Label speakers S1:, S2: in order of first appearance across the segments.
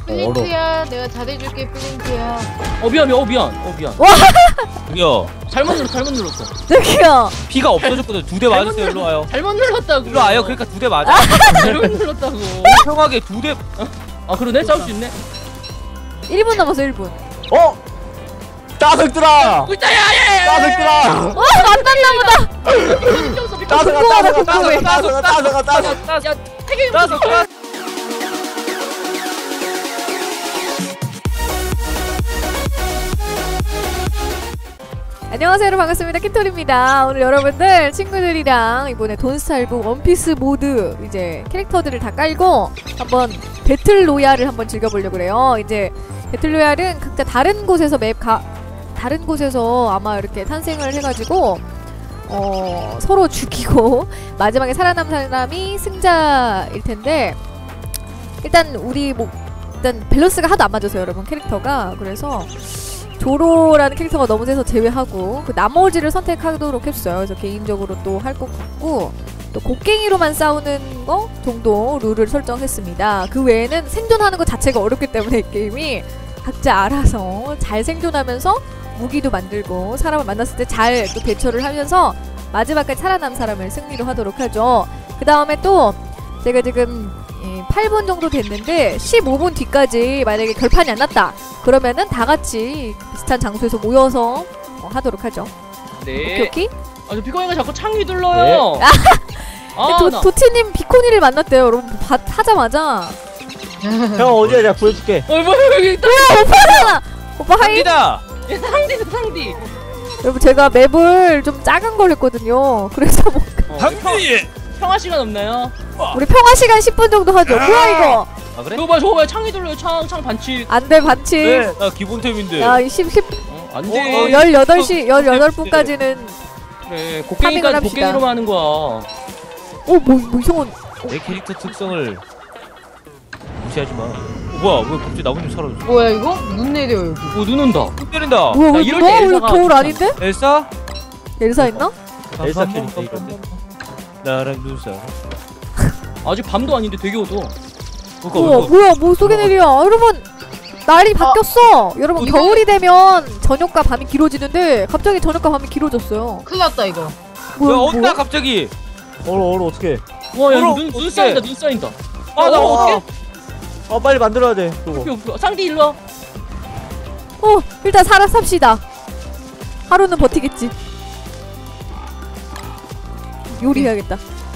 S1: 플린트야, 내가 잘해줄게 플린트야.
S2: 미안.
S3: 와!
S4: 저기요.
S2: 잘못 눌렀어.
S3: 저기요.
S4: 피가 없어졌거든. 2대 맞았어요. 일로 와요.
S2: 잘못 눌렀다고.
S4: 일로 와요. 그러니까 2대 맞아.
S2: 잘못 눌렀다고.
S4: 평하게 2대.
S2: 아 그러네? 싸울 수 있네.
S3: 1분 남았어 1분.
S5: 따석들아!
S2: 꿀자야!
S5: 따석들아!
S3: 안 땄나 보다.
S5: 따석아!
S3: 안녕하세요 여러분, 반갑습니다. 키톨입니다. 오늘 여러분들 친구들이랑 이번에 돈스타일북 원피스 모드 이제 캐릭터들을 다 깔고 한번 배틀로얄을 한번 즐겨보려고 그래요. 이제 배틀로얄은 각자 다른 곳에서 다른 곳에서 아마 이렇게 탄생을 해가지고 서로 죽이고 마지막에 살아남은 사람이 승자일 텐데, 일단 우리 일단 밸런스가 하도 안 맞아서 여러분 캐릭터가, 그래서 조로라는 캐릭터가 너무 세서 제외하고 그 나머지를 선택하도록 했어요. 그래서 개인적으로 또 할 것 같고, 또 곡괭이로만 싸우는 거 정도 룰을 설정했습니다. 그 외에는 생존하는 것 자체가 어렵기 때문에 이 게임이 각자 알아서 잘 생존하면서 무기도 만들고 사람을 만났을 때 잘 또 대처를 하면서 마지막까지 살아남은 사람을 승리로 하도록 하죠. 그 다음에 또 제가 지금 8분 정도 됐는데 15분 뒤까지 만약에 결판이 안 났다 그러면은 다 같이 비슷한 장소에서 모여서 하도록 하죠.
S2: 네.
S3: 오케이?
S2: 저 비코이가 자꾸 창 휘둘러요.
S3: 도티님 비코니를 만났대요 여러분. 하자마자.
S5: 형 어디야? 내가 보여줄게.
S2: 뭐야 여기 있다.
S3: 오빠잖아. 오빠 하이.
S2: 상디.
S3: 여러분 제가 맵을 좀 작은 걸 했거든요. 그래서
S4: 상디.
S2: 평화 시간 없나요?
S3: 우리 평화 시간 10분 정도 하죠. 뭐야 이거?
S4: 아 그래?
S2: 저거 봐요. 창 휘둘러요. 창 반칙.
S3: 안돼 반칙.
S4: 네, 나 기본템인데.
S3: 야 10
S2: 안 돼.
S3: 18시 18분까지는
S2: 그래.
S3: 파밍을 합시다.
S2: 곡괭이로만 하는 거야.
S3: 뭐 이상한.
S4: 내 캐릭터 특성을 무시하지 마. 뭐야? 왜 갑자기 나 혼자 사라졌어?
S1: 뭐야 이거? 눈 내려 여기.
S2: 눈 온다.
S4: 눈 때린다.
S3: 뭐야 왜
S2: 이럴
S3: 너
S2: 때
S3: 원래
S2: 엘사가
S3: 겨울
S2: 좋잖아.
S3: 아닌데?
S4: 엘사?
S3: 엘사 있나?
S5: 엘사 캐릭터 이런데.
S4: 나랑 눈싸.
S2: 아직 밤도 아닌데 되게 어두워.
S3: 우와 뭐야 뭐 속에 내려. 여러분 날이 바뀌었어. 여러분
S1: 이거-
S3: 겨울이 되면 저녁과 밤이 길어지는데 갑자기 저녁과 밤이 길어졌어요.
S1: 큰일 났다 이거.
S4: 야
S3: 뭐야
S4: 어디다 갑자기?
S5: 얼어 어떡해.
S2: 와, 야,
S4: 얼어,
S2: 눈
S4: 어떡해.
S2: 쌓인다. 눈 쌓인다. 아, 나 어떡해?
S5: 빨리 만들어야 돼. 그거.
S2: 상디 일로 와.
S3: 일단 삽시다. 하루는 버티겠지. 요리해야겠다.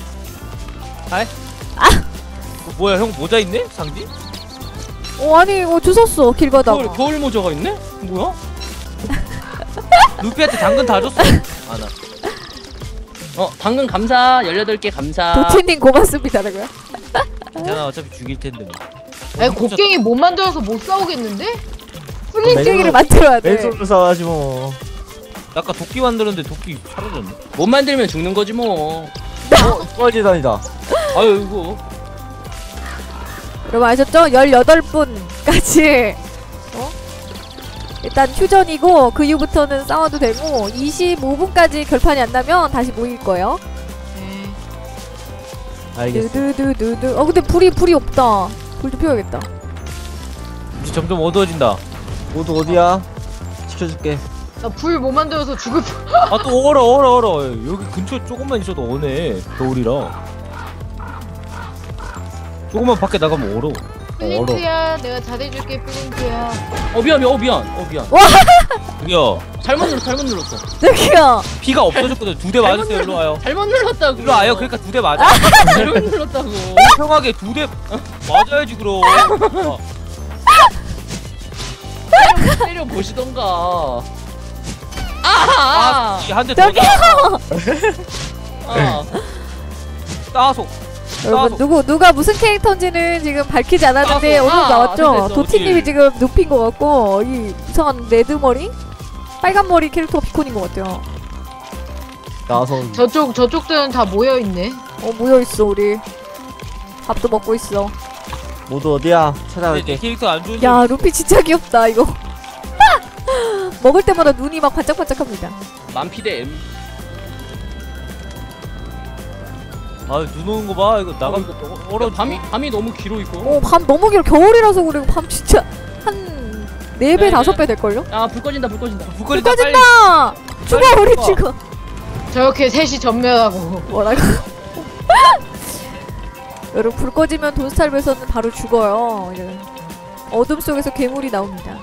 S4: 뭐야 형 모자 있네? 상디?
S3: 아니 주웠어 길 가다가.
S2: 겨울 모자가 있네? 뭐야?
S4: 루피한테 당근 다 줬어. 아나.
S2: 당근 감사. 18개 감사.
S3: 도티님 고맙습니다라고요?
S4: 괜찮아 어차피 죽일 텐데.
S1: 아니 곡괭이 못 만들어서 못 싸우겠는데?
S3: 플린트기를 만들어야 돼.
S5: 맨손으로 싸워야지 뭐.
S4: 아까 도끼 만들었는데 도끼 사라졌네.
S2: 못 만들면 죽는 거지 뭐.
S5: 꺼지다니다.
S2: 아유, 이거.
S3: 여러분 아셨죠? 18분까지 일단 휴전이고 그 이후부터는 싸워도 되고 25분까지 결판이 안 나면 다시 모일 거예요.
S5: 알겠어.
S3: 두두두두두. 근데 불이 없다. 불 좀 피워야겠다.
S4: 이제 점점 어두워진다.
S5: 모두 어디야? 지켜줄게.
S1: 나 불 못 만들어서 죽을 뻔.
S4: 아 또 얼어. 여기 근처 조금만 있어도 오네. 겨울이라. 조금만 밖에 나가면 얼어.
S1: 플린트야, 내가 잘해줄게 플린트야.
S2: 미안.
S4: 저기요.
S2: 잘못 눌렀어.
S3: 저기요.
S4: 피가 없어졌거든. 2대 맞았어요. 일로 와요.
S2: 잘못 눌렀다고.
S4: 일로 와요. 그러니까 2대 맞아.
S2: 잘못 눌렀다고.
S4: 평하게 2대 맞아야지 그럼.
S2: 때려 보시던가.
S4: 한대 더. 따소.
S3: 여러분 누가 무슨 캐릭터인지는 지금 밝히지 않았는데 오늘 나왔죠?
S2: 됐어.
S3: 도티님이 지금 눕힌 것 같고 이 이상한 레드머리? 빨간머리 캐릭터가 비콘인 것 같아요.
S5: 나서
S1: 저쪽들은 다 모여 있네.
S3: 모여있어 우리. 밥도 먹고 있어.
S5: 모두 어디야?
S4: 내
S5: 찾아갈게.
S4: 캐릭터 안 좋은데.
S3: 야 루피 진짜 귀엽다 이거. 먹을 때마다 눈이 막 반짝반짝합니다.
S2: 만피대 M.
S4: 아 눈 오는 거 봐. 이거 나가면 얼어.
S2: 밤이 너무 길어 이거.
S3: 밤 너무 길어. 겨울이라서 그리고 밤 진짜 한 4배,
S2: 네,
S3: 5배 될걸요?
S2: 야불 꺼진다 불 꺼진다.
S4: 불 꺼진다 빨리.
S3: 꺼진다! 죽어, 우리
S4: 꺼.
S3: 죽어.
S1: 저렇게 셋이 전멸하고.
S3: 뭐라고? 여러분, 불 꺼지면 돈스타일에서는 바로 죽어요. 이제 어둠 속에서 괴물이 나옵니다.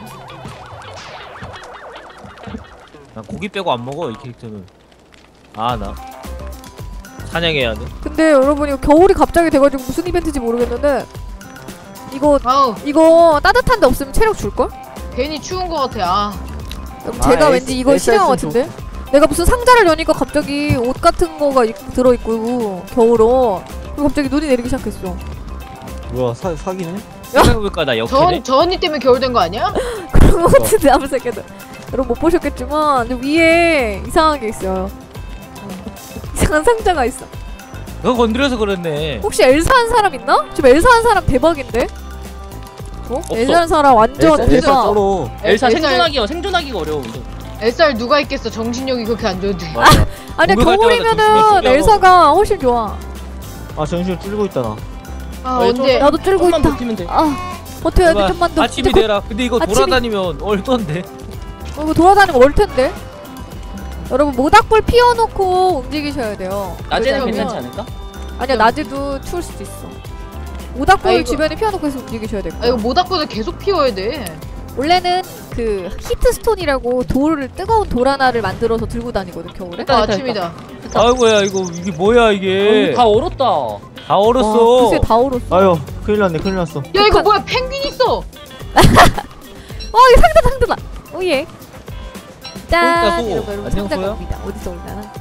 S4: 난 고기 빼고 안 먹어 이 캐릭터는. 아 나 사냥해야 돼.
S3: 근데 여러분, 이거 겨울이 갑자기 돼가지고 무슨 이벤트인지 모르겠는데
S1: 아우
S3: 이거 따뜻한 데 없으면 체력 줄걸?
S1: 괜히 추운 거 같아. 아
S3: 그럼 제가
S5: 에이,
S3: 왠지 이거
S5: 에이,
S3: 싫어한 것
S5: 좀
S3: 같은데? 내가 무슨 상자를 여니까 갑자기 옷 같은 거가 들어있고 겨울옷 그리고 갑자기 눈이 내리기 시작했어.
S5: 뭐야 사기네?
S4: 생각해보니까 나 역해네.
S1: 저 언니 때문에 겨울 된 거 아니야?
S3: 그런 거 같은데 아무 생각도 여러분 못 보셨겠지만 근데 위에 이상한 게 있어요. 이상한 상자가 있어.
S4: 너 건드려서 그랬네.
S3: 혹시 엘사 한 사람 있나? 지금 엘사 한 사람 대박인데?
S2: 없어.
S3: 엘사 한 사람 완전
S5: 엘사
S3: 대박.
S5: 썰어.
S2: 엘사
S1: 엘사-
S2: 생존하기가 어려워. 이거.
S1: 햇살 누가 있겠어. 정신력이 그렇게 안 좋은데.
S4: 맞아.
S3: 아니야
S4: 공격할 때마다
S3: 겨울이면은
S4: 조심해.
S3: 엘사가 훨씬 좋아.
S5: 아 정신을 뚫고 있다
S1: 아
S2: 어,
S1: 언제?
S3: 나도 쫄고
S2: 조금만
S3: 있다.
S2: 버티면 돼.
S3: 아 버텨야 돼
S4: 제발
S3: 좀만 더.
S4: 아침이
S3: 근데
S4: 되라. 근데 이거
S3: 아침이-
S4: 돌아다니면 얼던데.
S3: 이거 돌아다니면 올 텐데. 여러분 모닥불 피워놓고 움직이셔야 돼요.
S2: 낮에는
S3: 왜냐면-
S2: 괜찮지 않을까?
S3: 아니야 낮에도 추울 수도 있어. 모닥불
S1: 아이고.
S3: 주변에 피워놓고 해서 움직이셔야 될
S1: 아
S3: 거야.
S1: 이거 모닥불을 계속 피워야 돼.
S3: 원래는 그 히트스톤이라고 돌을 뜨거운 돌 하나를 만들어서 들고 다니거든 겨울에.
S2: 됐다,
S1: 아,
S2: 됐다,
S1: 아침이다.
S4: 아이고야 이게 뭐야 이게.
S2: 다 얼었다.
S4: 다 얼었어.
S3: 글쎄 다 얼었어.
S5: 아유 큰일 났네 큰일 났어
S1: 야 이거 뭐야? 펭귄 있어.
S3: 이거 상자다. 오예. 짠.
S4: 소.
S3: 여러분
S4: 안녕,
S3: 상자가
S4: 소야?
S3: 옵니다. 어디서 올라나?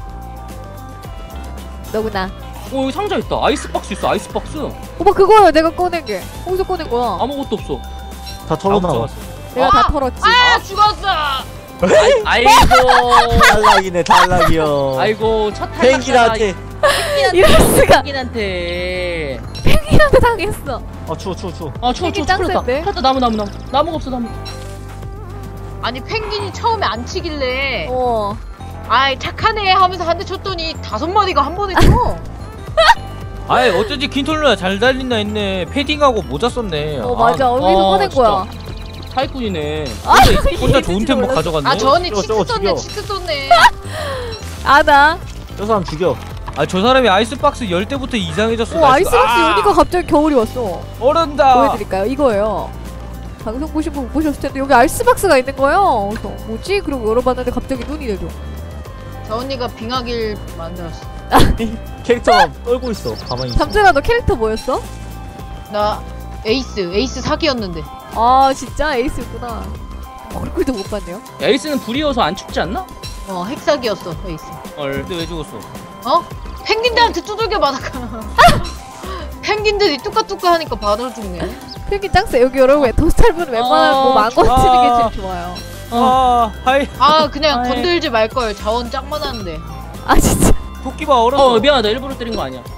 S3: 너구나.
S2: 여기 상자 있다. 아이스박스 있어. 아이스박스.
S3: 오빠 그거야 내가 꺼낸 게. 어디서 꺼낸 거야?
S2: 아무것도 없어.
S5: 다
S4: 아무
S5: 털어나와
S4: 적었어.
S3: 내가 다 털었지.
S1: 아 죽었어.
S2: 아이고.
S5: 탈락이네 탈락이요
S2: 아이고 첫 탈락.
S5: 펭귄한테
S3: 이럴 수가.
S2: 펭귄한테.
S3: 펭귄한테 당했어.
S5: 아 추워
S2: 아 추워
S3: 펭귄
S2: 추워 풀렸다.
S3: 짱센데?
S2: 풀렸다. 나무가 없어 나무.
S1: 아니 펭귄이 처음에 안 치길래
S3: 어.
S1: 아이 착하네 하면서 한 대 쳤더니 5마리가 한 번에 쳐.
S4: 아이 어쩐지 킨톨루나 잘 달린다 했네. 패딩하고 모자 썼네.
S3: 맞아. 어디서 꺼낸 거야?
S2: 사기꾼이네.
S4: 혼자 좋은 템 뭐 가져갔네.
S1: 아 저 언니
S5: 저거,
S1: 치트
S5: 저거
S1: 썼네.
S5: 죽여.
S1: 치트 썼네.
S3: 아나.
S5: 저 사람 죽여
S4: 아 저 사람이 아이스박스 열 때부터 이상해졌어.
S3: 아이스박스 여니까 갑자기 겨울이 왔어.
S4: 얼은다.
S3: 보여드릴까요? 이거예요. 방송 보신 분 못 보셨을 텐데 여기 아이스박스가 있는 거예요. 그래서 뭐지? 그러고 열어봤는데 갑자기 눈이 내려.
S1: 저 언니가 빙하길 만들었어.
S5: 캐릭터가 떨고 있어 가만히 있어
S3: 잠재가 너 캐릭터 뭐였어?
S1: 나 에이스 사기였는데.
S3: 아 진짜 에이스였구나. 얼굴도 못 봤네요.
S2: 에이스는 불이어서 안 춥지 않나?
S1: 핵사기였어 에이스.
S4: 근데 왜 죽었어?
S1: 어? 펭귄들한테 두들겨 맞았잖아. 펭귄들이 뚜까뚜까 하니까 받아 죽네.
S3: 펭귄 짱세. 여기 여러분 도스탈분 웬만하면 뭐 망고
S4: 좋아.
S3: 치는 게 제일 좋아요.
S4: 하이
S1: 아 그냥
S2: 아이.
S1: 건들지 말걸. 자원 짱 많았는데.
S3: 아 진짜.
S4: 토끼가 얼었어.
S2: 미안하다. 일부러 때린 거 아니야.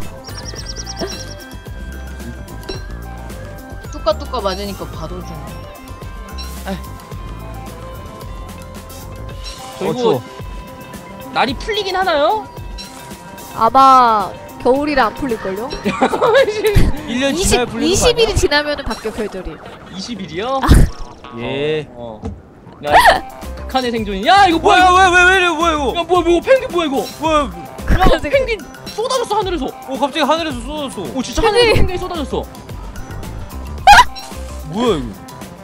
S1: 뚜까뚜까 맞으니까 받아 죽네.
S2: 그리고
S5: 추워
S2: 날이 풀리긴 하나요?
S3: 아마 겨울이라 안 풀릴걸요?
S4: 1년 지나야 불리는 거
S3: 20일이 지나면은 바뀌어 계절이.
S2: 20일이요?
S4: 예.
S2: 야, 극한의 생존이. 야, 이거 뭐야?
S4: 뭐야 왜 이래 뭐야 이거?
S2: 야, 뭐야? 펭귄 뭐야 이거?
S4: 뭐야?
S2: 야, 펭귄 쏟아졌어 하늘에서.
S4: 갑자기 하늘에서 쏟아졌어.
S2: 오, 진짜 하늘에 펭귄이 쏟아졌어.
S4: 뭐야 이거?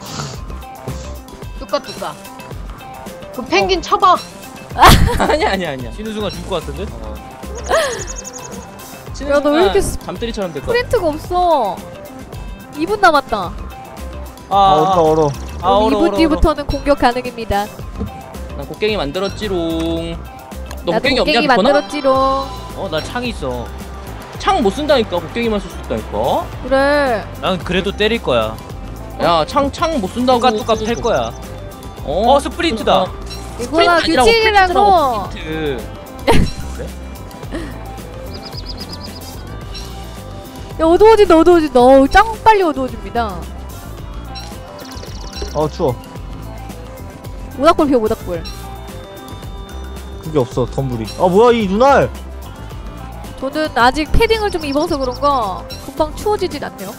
S1: 뚜까뚜까. 그 펭귄 쳐봐.
S2: 아니야.
S4: 쉬는 순간 죽을 것 같은데?
S3: 야, 너왜 이렇게
S2: 잠들이처럼 됐거.
S3: 프린트가 없어. 2분 남았다.
S5: 온다 얼어
S3: 그럼 2분 뒤부터는 공격 가능입니다.
S2: 난 곡괭이 만들었지롱. 너
S3: 나도
S2: 곡괭이 없냐?
S3: 곡괭이
S2: 비코나?
S3: 만들었지롱.
S4: 나 창 있어.
S2: 창 못 쓴다니까. 곡괭이만 쓸 수 있다니까.
S3: 그래.
S4: 난 그래도 때릴 거야.
S2: 야, 창 못 쓴다고.
S4: 뚜까뚜까 팰 거야. 스프린트다.
S3: 이거가 규칙이라고.
S2: 스프린트.
S3: 야, 어두워진다. 짱 빨리 어두워집니다.
S5: 추워
S3: 모닥불 피워, 모닥불.
S5: 그게 없어 덤불이 뭐야 이 눈알
S3: 저는 아직 패딩을 좀 입어서 그런가 금방 추워지진 않네요.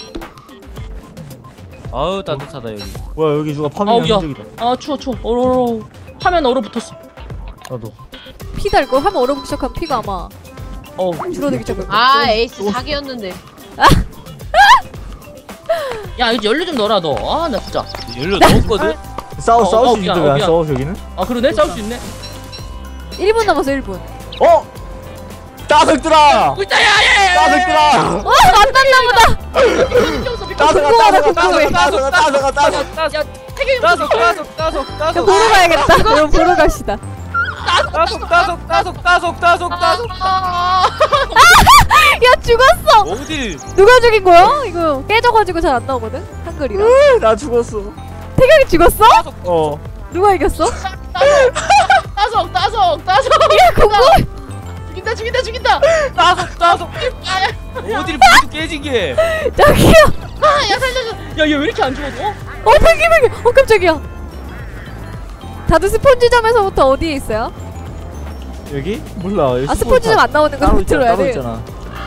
S4: 아우 따뜻하다 여기.
S5: 뭐야 여기 누가 파밍한
S2: 아우, 야.
S5: 흔적이다.
S2: 아 추워 얼어. 화면 얼어붙었어.
S5: 나도.
S3: 피 달 거 하면 얼어붙기 시작하면 피가 아마 줄어들기 시작할 거야.
S1: 아 에이스 4개였는데.
S2: 야 이거 연료 좀 넣어라 너. 아 나 진짜.
S4: 연료 넣었거든.
S5: 싸울 수
S2: 미안,
S5: 있는데 왜 안
S2: 미안.
S5: 싸워 저기는?
S2: 아 그러네 싸울 수 있네.
S3: 1분 남았어 1분.
S5: 어? 따석들아!
S2: 야야야.
S5: 따석들아!
S3: 안 땄나 보다.
S5: 따석아.
S2: 야 태경이
S3: 야, 보러 가야겠다. 여러분 보러 갑시다. 야 죽었어.
S4: 어디?
S3: 누가 죽인 거야? 이거 깨져가지고 잘 안 나오거든. 한글이라.
S5: 나 죽었어.
S3: 태경이 죽었어?
S5: 어.
S3: 누가 이겼어?
S2: 따석.
S3: 야 궁금.
S2: 죽인다.
S4: 어디를 모두 깨진 게?
S3: 저기요.
S2: 야얘 왜 이렇게 안 죽었어?
S3: 팽이. 깜짝이야. 다들 스폰지점에서부터 어디에 있어요?
S5: 여기? 몰라. 여기
S3: 아 스폰지점 안 나오는 거 좀 들어야
S5: 따로
S3: 돼.
S5: 있잖아.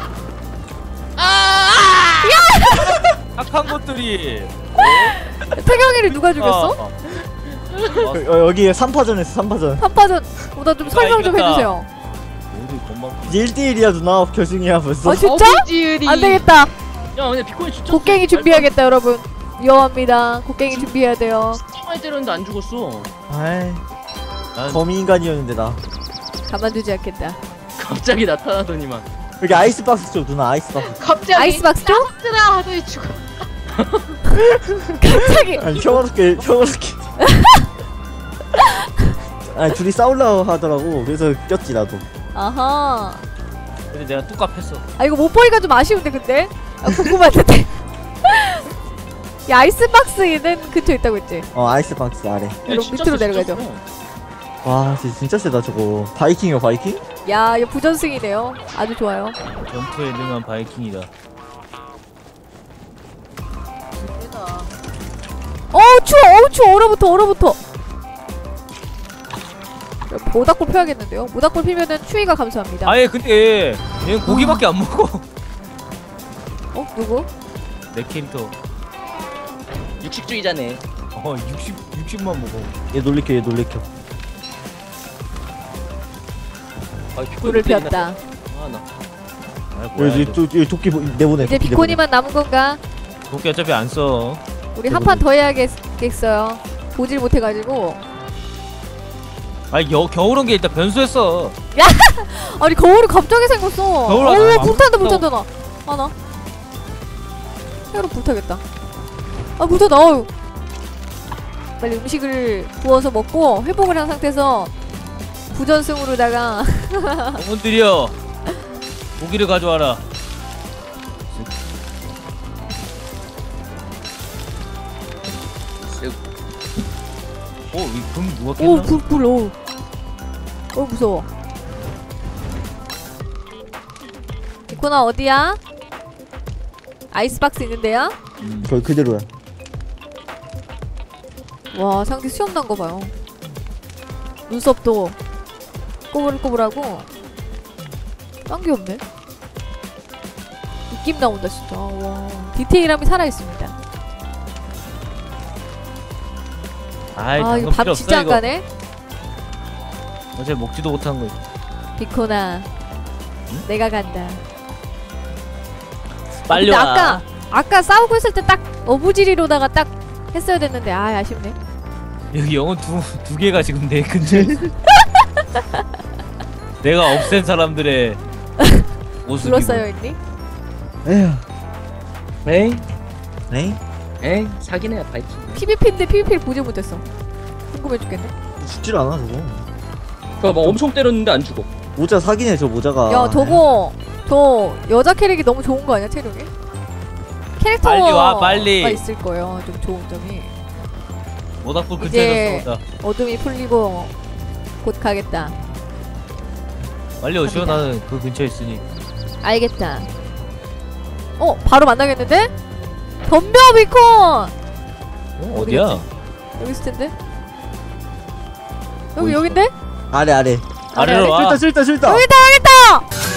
S4: 착한 것들이.
S3: 태경이를 누가 죽였어?
S5: 여기 3파전 했어 3파전.
S3: 3파전. 나 좀 설명 좀
S4: 이겼다.
S3: 해주세요.
S4: 어디 건방.
S5: 이제 1대1이야 누나. 결승이야 벌써.
S3: 아 진짜?
S1: 어부지을이.
S3: 안 되겠다.
S2: 야 근데 비콘이 진짜.
S3: 곡괭이 준비해야겠다 여러분. 위험합니다. 곡괭이 준비해야 돼요.
S2: 진짜 많이 때렸는데 안 죽었어.
S5: 아이
S4: 난
S5: 거미인간이었는데 나.
S3: 가만두지 않겠다.
S2: 갑자기 나타나더니만.
S5: 여기 아이스박스 쪽 누나 아이스박스.
S1: 갑자기
S3: 아이스박스 쪽?
S1: 뜨라 하더니 죽어.
S3: 갑자기.
S5: 아니 평화롭게. 아니 둘이 싸우려고 하더라고. 그래서 꼈지 나도.
S3: 아하.
S4: 근데 내가 뚝갑했어.
S3: 아 이거 못 보니까 좀 아쉬운데 근데. 아 궁금한데. 야 아이스박스에는 근처에 있다고 했지?
S5: 아이스박스 아래.
S3: 여러분 밑으로 내려가죠.
S5: 와 진짜 세다 저거. 바이킹이요 바이킹?
S3: 야 이거 부전승이네요. 아주 좋아요.
S4: 전투에 능한 바이킹이다.
S3: 추워 얼어붙어. 모닥불 펴야겠는데요? 모닥불 피면은 추위가 감소합니다.
S4: 아예 근데 얘는 고기밖에 안 먹어.
S3: 누구?
S4: 내 캐릭터.
S2: 육식주의자네.
S4: 60만 먹어.
S5: 얘 놀래켜.
S2: 아 비콘이
S3: 불을 피웠다.
S2: 아나.
S4: 아 뭐야
S5: 여기
S4: 이거.
S5: 또 여기 도끼 내보내.
S3: 이제 비코니만 남은 건가?
S4: 도끼 어차피 안 써.
S3: 우리 한 판 더 해야겠어요. 보질 못해가지고.
S4: 아니 겨울 온 게 일단 변수했어.
S3: 아니 거울이 갑자기 생겼어.
S4: 거울
S3: 오
S4: 하나
S3: 불탄다 나. 하나. 헤어로 불타겠다. 아 불타다. 어휴. 빨리 음식을 구워서 먹고 회복을 한 상태에서 부전승으로다가
S4: 어머들이여 고기를 가져와라. 이금 누가 깼나?
S3: 오 불 무서워. 이코나 어디야? 아이스박스 있는데요?
S5: 거의 그대로야.
S3: 와 상대 수염 난 거 봐요. 눈썹도 꼬불꼬불하고 딴 게 없네. 느낌 나온다 진짜. 와 디테일함이 살아있습니다.
S4: 아이
S3: 아 이거
S4: 방금
S3: 밥
S4: 필요
S3: 진짜
S4: 없어
S3: 안
S4: 이거.
S3: 가네.
S4: 어제 먹지도 못한 거.
S3: 비코나 내가 간다.
S4: 빨리
S3: 근데
S4: 와.
S3: 아까 싸우고 있을 때 딱 어부지리로다가 딱 했어야 됐는데 아 아쉽네.
S4: 여기 영혼 두 개가 지금 내 근처에 있어. 내가 없앤 사람들의 모습이.
S3: 불렀어요 있니?
S5: 에휴.
S2: 에이
S5: 에이?
S2: 사기네 바이킹.
S3: PVP인데 PVP를 보지 못했어. 궁금해 죽겠네.
S5: 죽질 않아 저거.
S2: 그거 막 엄청 때렸는데 안 죽어.
S5: 모자 사기네 저 모자가.
S3: 야 저거 저 여자 캐릭이 너무 좋은 거 아니야 체력이? 캐릭터가
S4: 빨리 와, 빨리.
S3: 있을 거예요. 좀 좋은 점이.
S4: 모닥불
S3: 이제-
S4: 근처에서 싸우다.
S3: 어둠이 풀리고 곧 가겠다.
S4: 빨리 오시오. 나는 그 근처에 있으니.
S3: 알겠다. 바로 만나겠는데? 덤벼 비콘!
S4: 어디야?
S3: 여기 있을 텐데? 여기 여긴데?
S5: 아래.
S4: 아래로 와.
S5: 싫다.
S3: 여기다!